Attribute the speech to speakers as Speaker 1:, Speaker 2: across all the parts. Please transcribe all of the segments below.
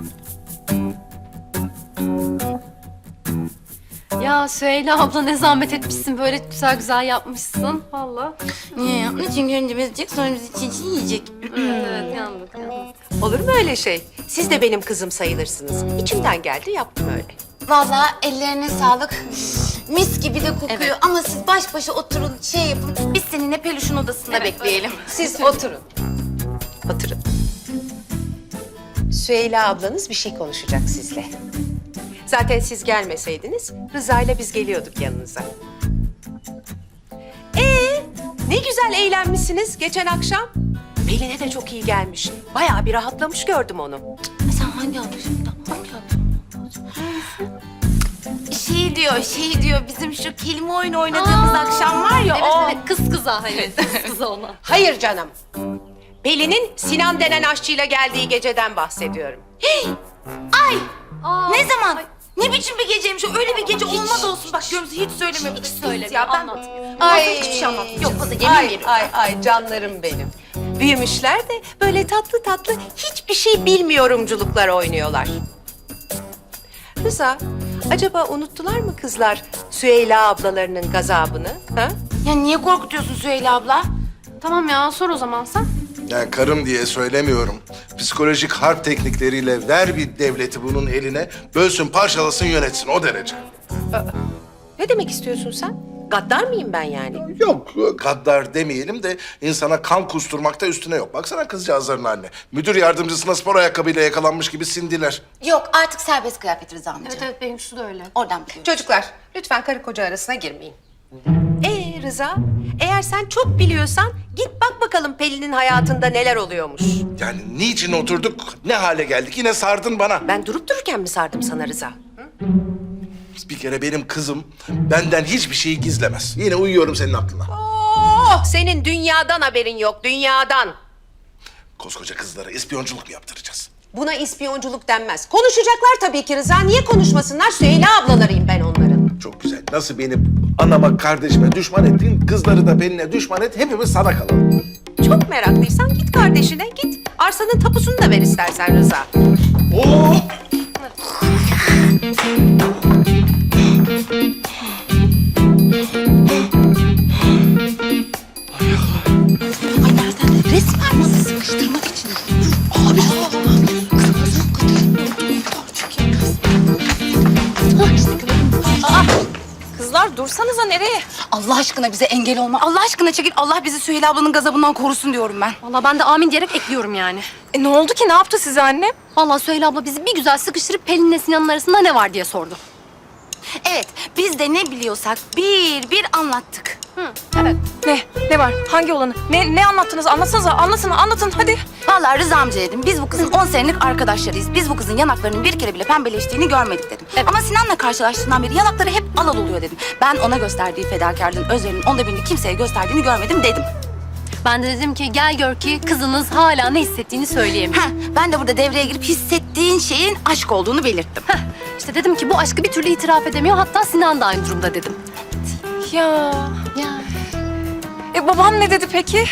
Speaker 1: Ya Süheyla abla ne zahmet etmişsin. Böyle güzel güzel yapmışsın. Vallahi.
Speaker 2: Niye yapmış? Çünkü önce bezecek, sonra bizi çiğ yiyecek.
Speaker 1: Evet, yandık.
Speaker 3: Olur mu öyle şey? Siz de benim kızım sayılırsınız. İçimden geldi, yaptım öyle.
Speaker 2: Vallahi ellerine sağlık. Mis gibi de kokuyor.
Speaker 1: Evet.
Speaker 2: Ama siz baş başa oturun, şey yapın. Biz seninle peluşun odasında bekleyelim.
Speaker 3: Siz oturun. Oturun. Süheyla ablanız bir şey konuşacak sizle. Zaten siz gelmeseydiniz Rıza ile biz geliyorduk yanınıza. Ne güzel eğlenmişsiniz geçen akşam. Pelin'e de çok iyi gelmiş. Bayağı bir rahatlamış gördüm onu.
Speaker 2: Sen hangi anlaşıldan? Hangi Şey diyor, bizim şu kelime oyunu oynadığımız akşam var ya,
Speaker 1: Evet,
Speaker 2: o.
Speaker 1: evet, kız kıza hani. Kız kıza ona.
Speaker 3: Hayır canım. Pelin'in Sinan denen aşçıyla geldiği geceden bahsediyorum.
Speaker 1: Aa,
Speaker 2: Ne zaman? Ne biçim bir geceymiş o? Öyle bir gece olmaz olsun. Bak görüntü hiç söylemiyor.
Speaker 1: hiç söylemiyor,
Speaker 2: Ya ben...
Speaker 1: anlatmıyor.
Speaker 3: Ay,
Speaker 1: Hiçbir şey anlatmayacağız.
Speaker 2: Yok, o da yemin veriyorum.
Speaker 3: Ay canlarım benim. Büyümüşler de böyle tatlı tatlı hiçbir şey bilmiyorumculuklar oynuyorlar. Rıza, acaba unuttular mı kızlar Süheyla ablalarının gazabını? Ha?
Speaker 2: Ya niye korkutuyorsun Süheyla abla?
Speaker 1: Tamam ya, sor o zaman sen.
Speaker 4: Yani karım diye söylemiyorum. Psikolojik harp teknikleriyle ver bir devleti bunun eline, bölsün, parçalasın, yönetsin o derece.
Speaker 3: Ne demek istiyorsun sen? Gaddar mıyım ben yani?
Speaker 4: Yok, gaddar demeyelim de insana kan kusturmakta üstüne yok. Baksana kızcağızların haline. Müdür yardımcısına spor ayakkabıyla yakalanmış gibi sindiler.
Speaker 2: Yok, artık serbest kıyafet Rıza amca.
Speaker 1: Evet evet, benimkisi de öyle.
Speaker 2: Oradan biliyorum.
Speaker 3: Çocuklar, lütfen karı koca arasına girmeyin. Rıza, eğer sen çok biliyorsan git bak bakalım Pelin'in hayatında neler oluyormuş.
Speaker 4: Yani niçin oturduk, ne hale geldik? Yine sardın bana.
Speaker 3: Ben durup dururken mi sardım sana Rıza?
Speaker 4: Bir kere benim kızım benden hiçbir şeyi gizlemez. Yine uyuyorum senin aklına.
Speaker 3: Oh, senin dünyadan haberin yok, dünyadan.
Speaker 4: Koskoca kızlara ispiyonculuk mu yaptıracağız?
Speaker 3: Buna ispiyonculuk denmez. Konuşacaklar tabii ki Rıza. Niye konuşmasınlar? Süheyla ablalarıyım ben onların.
Speaker 4: Çok güzel. Nasıl beni anama, kardeşime düşman ettin, kızları da benimle düşman et, hepimiz sana kalalım.
Speaker 3: Çok meraklıysan git kardeşine, git. Arsanın tapusunu da ver istersen Rıza.
Speaker 4: Oo!
Speaker 2: Ay nereden? Resmen nasıl sıkıştırmak için. Abi.
Speaker 5: Kızlar dursanıza nereye?
Speaker 2: Allah aşkına bize engel olma. Allah aşkına çekil. Allah bizi Süheyla ablanın gazabından korusun diyorum ben.
Speaker 1: Vallahi ben de amin diyerek ekliyorum yani.
Speaker 5: Ne oldu ki? Ne yaptı size annem?
Speaker 1: Vallahi Süheyla abla bizi bir güzel sıkıştırıp Pelin'le Sinan'ın arasında ne var diye sordu.
Speaker 2: Evet, biz de ne biliyorsak bir anlattık.
Speaker 1: Evet.
Speaker 5: Ne? Ne var? Hangi olanı? Ne anlattınız? Anlatsanıza. Anlatın hadi.
Speaker 2: Vallahi Rıza amca dedim. Biz bu kızın 10 senelik arkadaşlarıyız. Biz bu kızın yanaklarının bir kere bile pembeleştiğini görmedik dedim.
Speaker 1: Evet.
Speaker 2: Ama Sinan'la karşılaştığından beri yanakları hep alal oluyor dedim. Ben ona gösterdiği fedakarlığın, özverinin onda birini kimseye gösterdiğini görmedim dedim.
Speaker 1: Ben de dedim ki gel gör ki kızınız hala ne hissettiğini söyleyemiyor.
Speaker 2: Ben de burada devreye girip hissettiğin şeyin aşk olduğunu belirttim.
Speaker 1: İşte dedim ki bu aşkı bir türlü itiraf edemiyor. Hatta Sinan da aynı durumda dedim.
Speaker 5: Ya.
Speaker 1: Ya.
Speaker 5: Babam ne dedi peki?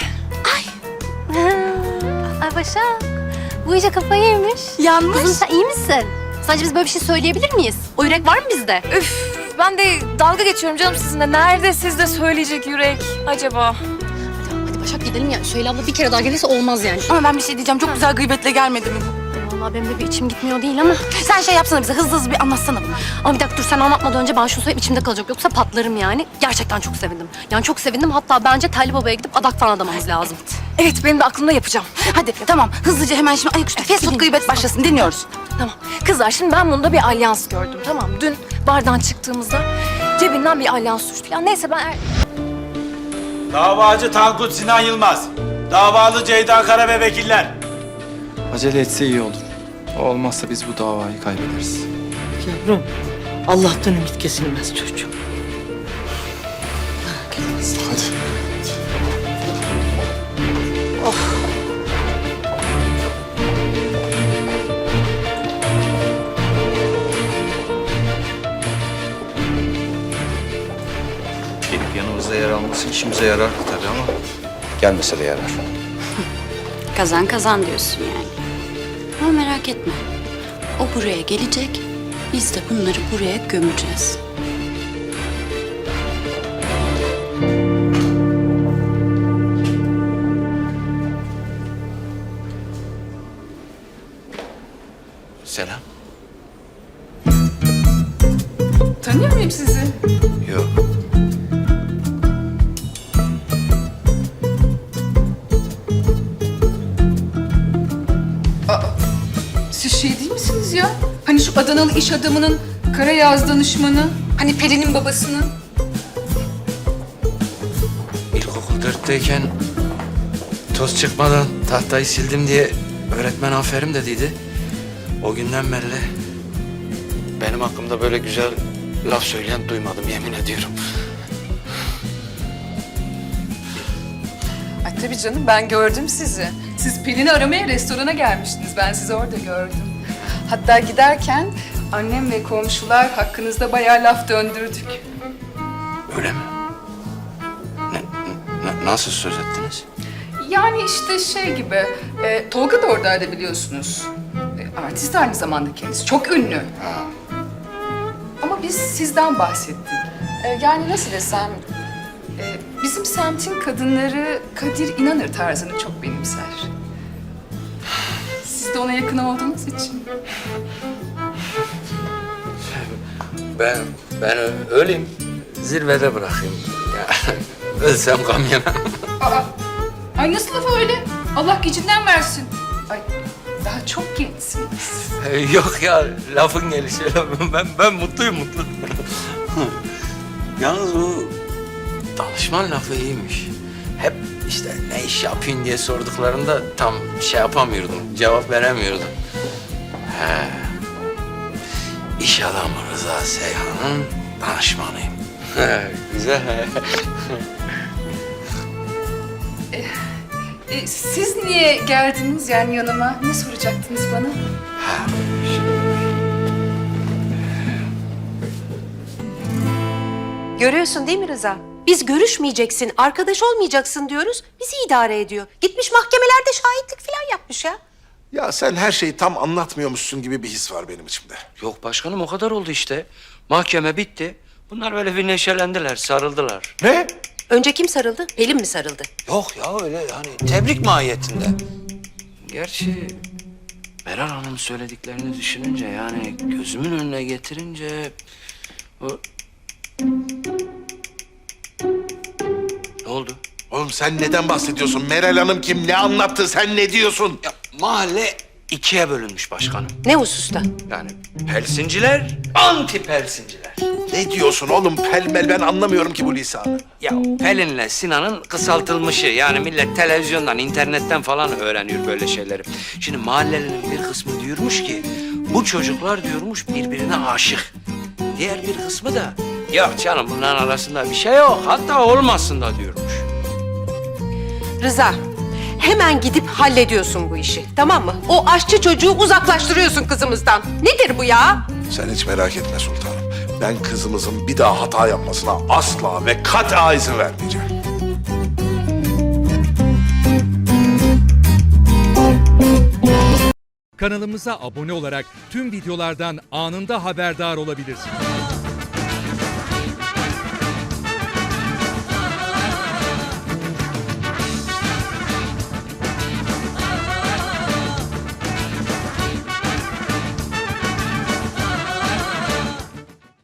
Speaker 1: Ay Başak, bu iyice kafayı yemiş.
Speaker 2: Yanmış.
Speaker 1: Kızım sen iyi misin? Sence biz böyle bir şey söyleyebilir miyiz? O yürek var mı bizde?
Speaker 5: Üf. Ben de dalga geçiyorum canım sizinle. Nerede sizde söyleyecek yürek acaba?
Speaker 1: Hadi Başak gidelim ya. Süheyla abla bir kere daha gelirse olmaz yani.
Speaker 2: Ama ben bir şey diyeceğim. Çok güzel gıybetle gelmedi mi bu?
Speaker 1: Vallahi benim de bir içim gitmiyor değil ama.
Speaker 2: Sen şey yapsana bize. Hızlı bir anlatsana bunu.
Speaker 1: Ama bir dakika dur sen anlatmadan önce ben şunu söyleyeyim içimde kalacak. Yoksa patlarım yani. Gerçekten çok sevindim. Yani çok sevindim. Hatta bence Telli Baba'ya gidip adak falan adamamız lazım.
Speaker 5: Evet benim de aklımda yapacağım.
Speaker 2: Hadi tamam. Hızlıca hemen şimdi ayaküstü fast food gıybet başlasın. Dinliyoruz.
Speaker 5: Tamam. Kızlar şimdi ben bunda bir alyans gördüm tamam mı? Dün bardan çıktığımızda cebinden bir alyans düştü. Ya neyse ben...
Speaker 6: Davacı Tankut Sinan Yılmaz. Davalı Ceyda Kara ve vekiller.
Speaker 7: Acele etse iyi olur. O olmazsa biz bu davayı kaybederiz.
Speaker 8: Yavrum, Allah'tan ümit kesilmez çocuğum.
Speaker 4: Hadi.
Speaker 9: Gelip yanımızda yer alması işimize yarar tabii ama gelmese de yarar.
Speaker 10: Kazan kazan diyorsun yani. Ama merak etme.
Speaker 2: O buraya gelecek, biz de bunları buraya gömeceğiz.
Speaker 9: Selam.
Speaker 10: Tanıyor muyum sizi?
Speaker 9: Yok.
Speaker 10: Siz şey değil misiniz ya? Hani şu Adanalı iş adamının kara yağız danışmanı, hani Pelin'in babasının.
Speaker 7: İlkokul 4'teyken toz çıkmadan tahtayı sildim diye öğretmen aferin dediydi. O günden beri benim hakkımda böyle güzel laf söyleyen duymadım, yemin ediyorum.
Speaker 10: Ay tabii canım, ben gördüm sizi. Siz Pelin'i aramaya restorana gelmiştiniz. Ben sizi orada gördüm. Hatta giderken annem ve komşular hakkınızda bayağı laf döndürdük.
Speaker 7: Öyle mi? Nasıl söz ettiniz?
Speaker 10: Yani işte şey gibi, Tolga da oradaydı biliyorsunuz. Artist aynı zamanda kendisi, çok ünlü. Ama biz sizden bahsettik. Yani nasıl desem, bizim semtin kadınları Kadir İnanır tarzını çok benimser. Siz de ona yakın olduğunuz için.
Speaker 7: Ben öleyim, zirvede bırakayım. Ya, ölsem gam yemem.
Speaker 10: Aa, ay nasıl laf öyle? Allah gecinden versin. Ay daha çok gençsiniz.
Speaker 7: Yok ya, lafın gelişi. Ben mutluyum, mutlu. Yalnız bu danışman lafı iyiymiş. Hep işte ne iş yapayım diye sorduklarında tam şey yapamıyordum, cevap veremiyordum. He. İş adamı Rıza Seyhan'ın danışmanıyım. Güzel.
Speaker 10: Siz niye geldiniz yani yanıma? Ne soracaktınız bana?
Speaker 3: Görüyorsun değil mi Rıza? Biz görüşmeyeceksin, arkadaş olmayacaksın diyoruz. Bizi idare ediyor. Gitmiş mahkemelerde şahitlik falan yapmış ya.
Speaker 4: Ya sen her şeyi tam anlatmıyormuşsun gibi bir his var benim içimde.
Speaker 7: Yok başkanım, o kadar oldu işte. Mahkeme bitti. Bunlar böyle bir neşelendiler, sarıldılar.
Speaker 4: Ne?
Speaker 3: Önce kim sarıldı? Pelin mi sarıldı?
Speaker 7: Yok ya, öyle hani tebrik mahiyetinde. Gerçi Meral Hanım söylediklerini düşününce, yani gözümün önüne getirince... Ne oldu?
Speaker 4: Oğlum sen neden bahsediyorsun? Meral Hanım kim? Ne anlattı? Sen ne diyorsun?
Speaker 7: Ya mahalle ikiye bölünmüş başkanım.
Speaker 3: Ne hususta?
Speaker 7: Yani pelsinciler, anti pelsinciler.
Speaker 4: Ne diyorsun oğlum? Pelmel ben anlamıyorum ki bu lisanı.
Speaker 7: Ya Pelin'le Sinan'ın kısaltılmışı. Yani millet televizyondan, internetten falan öğreniyor böyle şeyleri. Şimdi mahallelinin bir kısmı diyormuş ki bu çocuklar diyormuş birbirine aşık. Diğer bir kısmı da yok canım bunların arasında bir şey yok. Hatta olmasın da diyormuş.
Speaker 3: Rıza, hemen gidip hallediyorsun bu işi, tamam mı? O aşçı çocuğu uzaklaştırıyorsun kızımızdan. Nedir bu ya?
Speaker 4: Sen hiç merak etme sultanım. Ben kızımızın bir daha hata yapmasına asla ve kata izin vermeyeceğim.
Speaker 11: Kanalımıza abone olarak tüm videolardan anında haberdar olabilirsiniz.